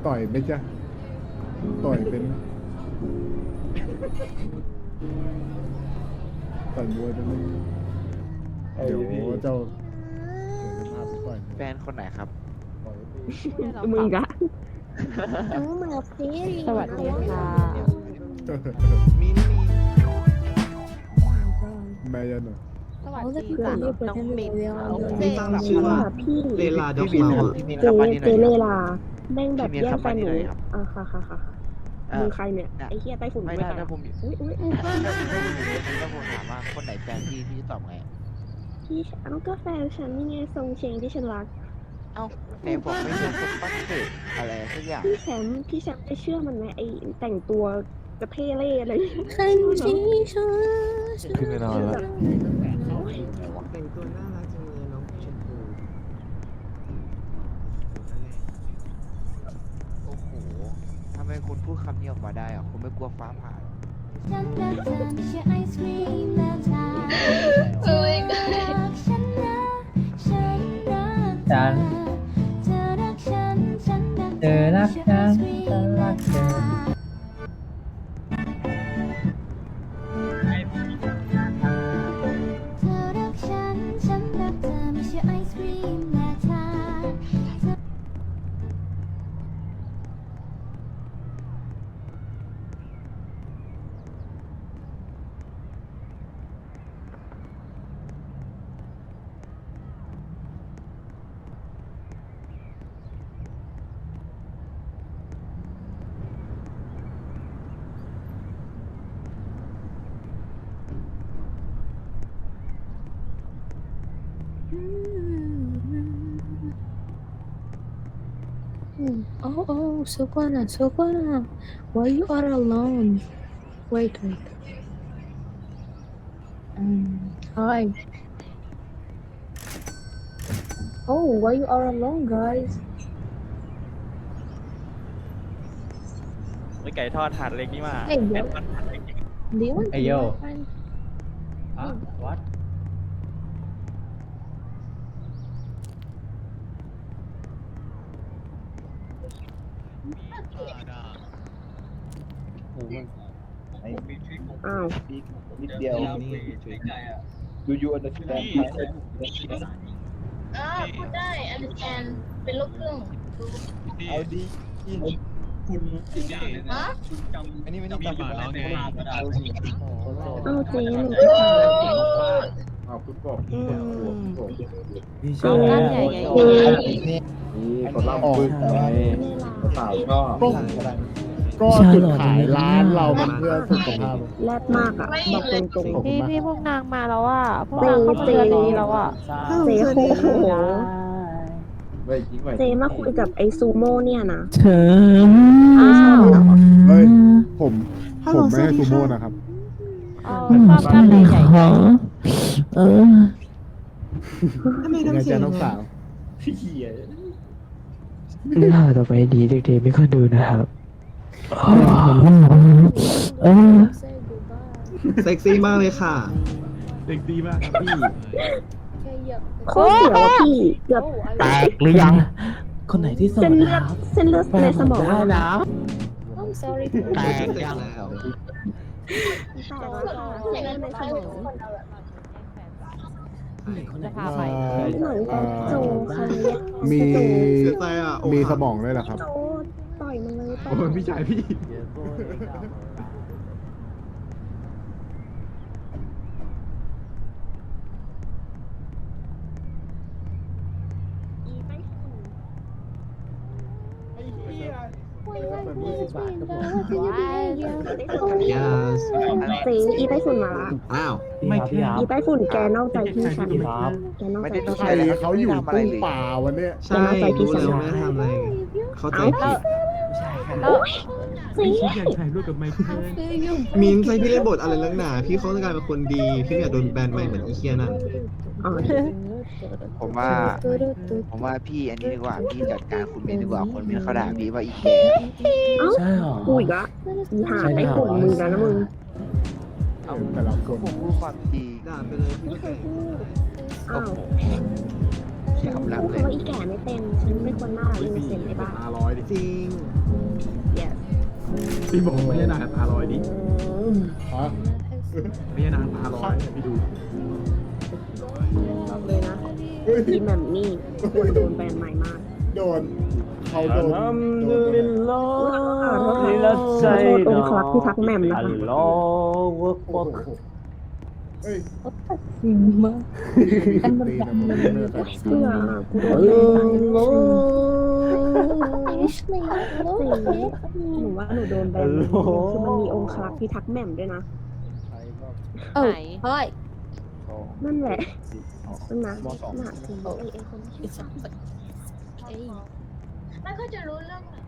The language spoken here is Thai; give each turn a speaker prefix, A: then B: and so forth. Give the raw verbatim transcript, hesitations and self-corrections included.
A: ต่อยไหมจ๊ะต่อยเป็นต่อยมวยเป็นไหมเดี๋ยวเจ้าเดี๋ยวจะพาไปต่อย
B: แฟนคนไหนครับ
A: ต่อย
C: มึงกะ
D: น้องมาเพลี
C: สวัสดีค่ะ
B: มีนี่มี
A: แม่ยันเหรอ
C: สวัส
D: เขาจะ
C: ดี
D: เกิ
C: ค่ะ
D: ดเรื่องเปิดให้เร็ว
E: มีตั้งชื่อว่า
D: พี่
E: เลลาดอก
B: พี่มิน
E: เมา
B: ครับ
E: อะ
B: พี่มิน
D: เจ
B: ครับมานี่ห
D: เจ
B: น่อย
D: เล
B: ครับ
D: ลาแม่งแบบแย่งแฟนหนู
B: พี่เมียครับ
D: อ่าค่ะค่ะค่ะค่ะ
B: เอ่อ
D: มึงใครเนี่ยไอ้เหี้ยไต้ฝุ่น
B: ไม่
D: ไม่
B: ได้
D: ตาย
B: ถ้าผม
D: อุ้ยอุ้ย
B: ถ้าถ้าผมอยู่ในนี้ถ้าผมถามว่าคนไหนแฟนพี่พี่จะตอบไง
D: พี่เอาก็แฟนฉันนี่ไงทรงเชงที่ฉันรัก
B: เอ้าไหนบอกไม่ใช่คนปั้นเสกอะไรสักอย่าง
D: พี่แชมป์พี่แชมป์ได้เชื่อมันไหมไอ้แต่งตัวกระเทเล่อะไร
F: 看清楚
B: ขึ้นไปนอนแล้ว
E: แต่งตัวน่ารักจังเลยน้องชมพู
B: โอ้โหทำไมคุณพูดคำนี้ออกมาได้อะคุณไม่กลัวฟ้าผ่าหรอ
F: ฉันรักเธอไม่ใช่ไอศครีมและชา
D: โอ้ย
F: รักฉันนะฉันรักเธ
G: ฉั
F: อน เธอรักฉันฉันรัก
G: เธอรักฉัน
F: ไม่
G: ฉัน
F: ใช่ไอ
G: รัก
F: ศ
G: เธ
F: ครี
G: อ
F: มเธอรักฉันฉันรักเธอไม่ใช่ไอศครีมและชา
D: Oh oh Sukwana Sukwana why you are alone wait wait um hi oh why you are alone guys
H: ไอไก่ทอดถาดเล็กนี่มา
D: เฮ้ยเดี๋ยว
H: เป็นถาดเล็ก
D: do you want to
G: Hey, yo.
D: be my friend
G: อ่ะ what
D: อ้าว
I: นิดเดียว
E: นี่
I: ดูยูอันเดอร์สแตน
J: อ่าพูดได้ understand เป็นลูกครึ่ง
I: เอาดีคุณ
J: ฮะ
I: อันนี้ไม่ได้จำแล้วไง
D: เอาเจ๊หนู
A: อ้าวคุณบอก
D: อืม
A: พี่ช
C: เอา
A: อบ
C: ด้านใหญ่ไง
I: นี่คนรับปืนสาวก็
A: ก็จุดขายร้านเรามันเพื่อสุขภาพ
D: แรดมากอ่ะบอกตรง
C: พี่พี่พวกนางมาแล้วอ่ะพวกนางเข้ามาเดือนนี้แล้วอ่ะ
D: ๆเจ๊โคโห
I: ไม่จริงไม่
D: เจ๊มาคุยกับไอ้ซูโม่เนี่ยนะ
F: เธอ
C: อ้าว
A: เฮ้ยผมผมไม่ให้ซูโม่นะครับ
C: เออชอบด้านใหญ่ใหญ่
F: เออ
E: ทำไม
A: ยังไง
E: ทำเสีย
A: จ๊ะ
E: ง
A: น้องสาว
G: เรื่องราวต่อไปดีเด็กๆไม่ค่อยดูนะครับเออ
E: เซ็กซี่มากเลยค่ะ
A: เด็กดีมากครับพี่
D: โคตรเสียวอะพี่เกือบ
G: แตกหรือยัง คนไหนที่ส
D: เส้
G: ด
D: นเลือดเส้นเลือดในสมอง
G: ได้นะ
D: I'm sorry
G: แตก
E: เสร็จ
G: ยัง
E: แล้ว
D: แตกแล้วค่ะเส้นเลือดในสมอง
C: จะพาไป
D: เหมือนกับโจเขาเรียก
A: มี
E: เสียใจอ่ะ
A: มีสมองด้วยเหรอครับ
D: โจต่อยมันเลยต่อ
A: โอ้ยพี่ชายพี่
D: อีไป
E: ยาส
D: เจ๊อีไต้ฝุ่นมาละ
E: อ้าว
G: ไม่พี่ครับ
D: อีไต้ฝุ่นแกนอกใจพี่ฉัน
G: ครับ
D: แกนอก
B: ไม่
D: ใจ
B: ได้ต้อ
D: พี่
B: ง
D: ฉัน
A: ใครเขาอยู่ตู้ป่าวันเนี้ย
E: ใช่รู้แล้วไม่ได้ทำอะไร เข้าใจผิด
C: แล้ว
D: เจ๊
E: มินใส่พี่เล่นบทอะไรลักหนาพี่เขาต้องการเป็นคนดี พี่ไม่อยากโดนแบนใหม่เหมือนอีเคียนั่น
D: อ๋อ
B: ผมว่า ผมว่าพี่อันนี้ดีกว่าพี่จัดการคุณเมนดีกว่าคนเมนเขาด่าพี่ว่าอีแก่
D: เอ้า
G: ใช่หรอ
D: กูอีกละอีหาไต้ฝุ่นมึงแล้วนะมึง
B: เอา
A: แต่ละค
B: ก็
A: น
B: ผมพูดความจริง
E: ด่าไปเลยพี่ก็แก่
D: อ้าว
B: พี่กำลัง
D: พูด
B: เลย
D: คำว่าอีแก่ไม่เป็นฉันเป็นคนน่ารักอินโนเซนต์ไอ้บ้า
A: ตาลอยดิ
E: จริง
D: เดี๋ยว
I: พี่บอกไม่ใช่นางตาลอยดิ
A: ฮะ
I: ไม่ใช่นางตาลอยพี่ดู
D: บอกเลยนะ
A: เฮ้ย
D: อีแหม่มนี่ควรโดนแบนใหม่มาก
A: โดนเขาโดน
G: อัล
A: โด
G: ฮัม
A: น
G: ดุลิลลอฮ์ลิลไซ
D: ขอโทษ
G: ดา
D: องค์ครักษ์พิทักษ์แหม่มนะคะ
G: อัลลอฮฺอักบัร
A: เฮ้ย
D: จริงมาก
A: อันมันแบบมันเนื้อใส่
D: เพื่อกูโดน
G: อัล
D: แบน
G: ลอฮ
D: หนูว่าหนูโดนแบนคือมันมีองค์ครักษ์พิทักษ์แหม่มด้วยนะ
C: เออ
D: เฮ้ยนั่นแหละนั่นนะน่ะจริง
J: ไม่ค่อยจะรู้เรื่องไหน